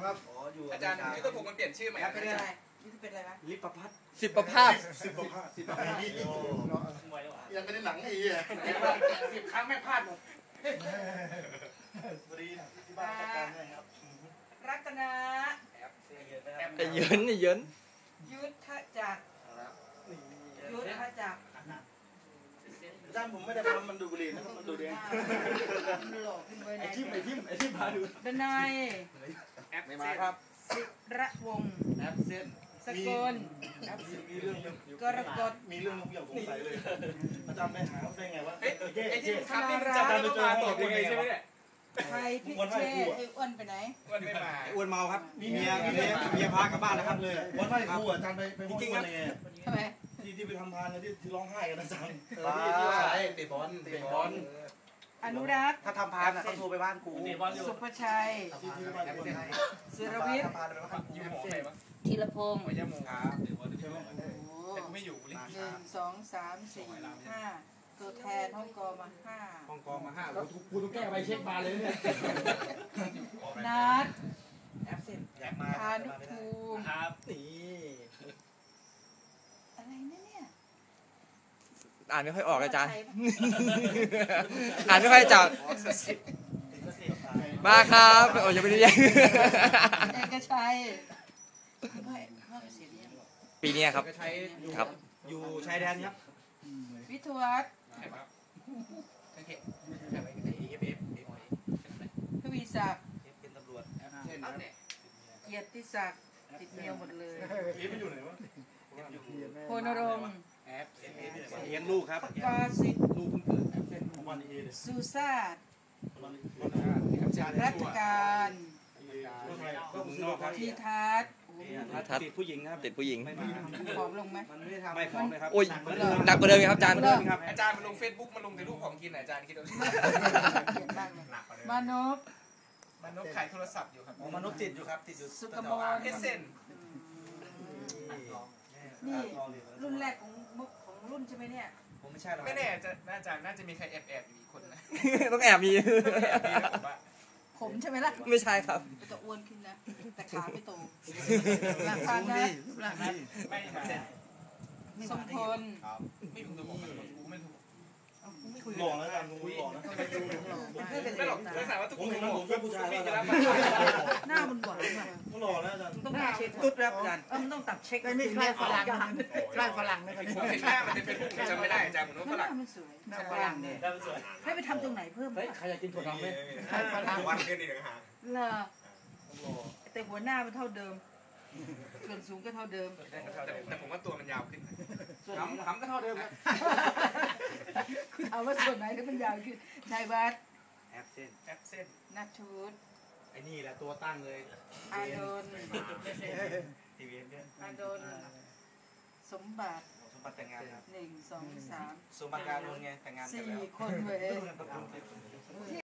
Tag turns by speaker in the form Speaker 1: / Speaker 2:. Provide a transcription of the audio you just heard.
Speaker 1: ครับ
Speaker 2: อาจารย์ยุทธภูมิมันเปลี่ยนชื่อใหม่
Speaker 3: เป็นอะไรนี่เป็นอะไรนะ
Speaker 4: ลิปพัฒน์
Speaker 5: สิบประภาส
Speaker 1: ยังไม่ได้หนังไอ้เหี้ย
Speaker 3: 10 ครั้งไม่พลาดหมด
Speaker 1: พอดีที่บ้านจัดการให้ครับ
Speaker 3: รัตนะ
Speaker 5: ไอ้เยิน
Speaker 3: ยุทธจักรยุทธจักร
Speaker 1: อาจารย์ผมไม่ได้ทำมันดูบุหรี่นะครับมันดูเอง
Speaker 3: หลอกขึ้นไปไหน
Speaker 4: ไอ้ทิมพาดู
Speaker 3: ดนาย
Speaker 4: ไม่มาครับ
Speaker 3: ศิระวงศ์
Speaker 4: แอปเซน
Speaker 3: สกล
Speaker 1: มีเรื่อง
Speaker 3: กรกฎ
Speaker 1: มีเรื่องอย่างสงสัยเลยอาจารย์ไปหาได้ไงวะ
Speaker 2: ไอ้ที่ครับนี่มันจะมาตอบยังไงใช่ไหมเนี่ย
Speaker 3: ใครพิเชษไอ้อ้วนไปไหน
Speaker 2: อ้วนไม่มา
Speaker 4: อ้วนเมาครับมีเมียพากลับบ้านแล้วครับเลย
Speaker 1: วันไหว้ครูอาจารย์ไปจริงๆครับ
Speaker 3: ทำไม
Speaker 1: ที่ไปทำทานกันที่ร้องไห้กันอาจารย์
Speaker 4: ใช่เตะบอล
Speaker 3: อนุรักษ์
Speaker 4: ถ้าทำพานเขาโทรไปบ้านกู
Speaker 3: สุภชัยศิรวิทย์ธีรพงศ์
Speaker 2: ยาโมครับแต่กูไม่อยู่
Speaker 3: 1 2 3 4 5ตัวแทนห้องกอมา5
Speaker 4: ห้องกอมา5แล้วกูต้องแก้ใบเช็คมาเลยเนี่ย
Speaker 3: นัดพานุภูมิ
Speaker 2: ครับ
Speaker 4: นี่
Speaker 3: อะไรเนี่ย
Speaker 5: อ่านไม่ค่อยออกอาจารย์อ่านไม่ค่อยจับมาครับโอ้ยยังไม่ได้ยัง
Speaker 3: เอกชัย
Speaker 5: ปีนี้ครับครับ
Speaker 4: อยู่ชายแดนครับ
Speaker 3: วิทวัฒน์ทวีศักดิ์
Speaker 4: เป็นตำรวจ
Speaker 3: เกียรติศักดิ์ติดเมียหมดเลย
Speaker 1: มันอยู่ไหนวะ
Speaker 3: โพนรงค์
Speaker 4: เลี้ยงลูกครับ
Speaker 3: กาสิทธิ์
Speaker 4: ลูกเพิ่งเกิด
Speaker 3: ซูซาดรัตการทีทัศน์
Speaker 4: ติดผู้หญิงครับ
Speaker 5: ติดผู้หญิง
Speaker 3: ผอมลงไหม
Speaker 4: ไม่ผอมเลยครับ
Speaker 5: โอ้ยหนักกว่าเดิมครับอาจารย์
Speaker 2: อาจารย์มันลงเฟซบุ๊กมันลงแต่รูปของกินอาจารย์คิดดู
Speaker 3: มานพ
Speaker 2: ขายโทรศัพท์อยู่ครับ
Speaker 4: มนุษย์ติดอยู่ครับติดอยู่
Speaker 3: สุกมล
Speaker 2: เอเซน
Speaker 3: นี่รุ่นแรกของรุ่นใช่ไหมเนี่ย
Speaker 4: ผมไม่ใช่หรอก
Speaker 2: ไม่แน่อาจารย์น่าจะมีใครแอบอยู่อีกคนนะ
Speaker 5: ต้องแอบมี
Speaker 3: ผมใช่ไหมล่ะ
Speaker 5: ไม่ใช่ครับ
Speaker 3: จะอ้วนขึ้นนะแต่ขาไม่โตหลังฟังนะ
Speaker 2: ไม่มา
Speaker 3: สมพล
Speaker 2: ไม่ถูกตัวผมกูไม่ถูก
Speaker 1: หล่อแล้วกันงูหล่อนะ
Speaker 2: ไม่หรอกไม่สามารถทุกคนเห็น
Speaker 1: ผมแค่ผู้ชายแล้ว
Speaker 3: หน้ามันหวานว่ะ
Speaker 1: ก็หล่อแล้วอาจารย์
Speaker 3: ต้องตัดเช็คตุ๊ดแล้วอาจารย์มันต้องตัดเช็ค
Speaker 4: ไม่ใช่ฝรั่งนะครับ
Speaker 2: ผมเห็นหน้ามันเป็นผู้จำไม่ได้อาจารย์ผมว่าฝรั่ง
Speaker 3: มันสวยหน้าฝรั่งเนี่ยให้ไปทำตรงไหนเพิ่ม
Speaker 4: ใครอยากกินถั่วดำไหม
Speaker 2: ฝรั่งวันขึ้นอีกหา
Speaker 3: เหรอแต่หัวหน้ามันเท่าเดิมส่วนสูงก็เท่าเดิม
Speaker 2: แต่ผมว่าตัวมันยาวขึ้น
Speaker 4: ขำก็เท่าเดิม
Speaker 3: เอาว่าส่วนไหนที่มันยาวขึ้นนายวัด
Speaker 4: แอปเส้น
Speaker 3: นัทชูด
Speaker 4: ไอ้นี่แหละตัวตั้งเลย
Speaker 3: อาดน
Speaker 4: ทีวีเนี่ย
Speaker 3: อาดนสมบัติ
Speaker 4: แต่งงานครับ
Speaker 3: 1 2 3
Speaker 4: สมบัติการโดนไงแต่งงานกันแล้ว
Speaker 3: 4 คนเว้ย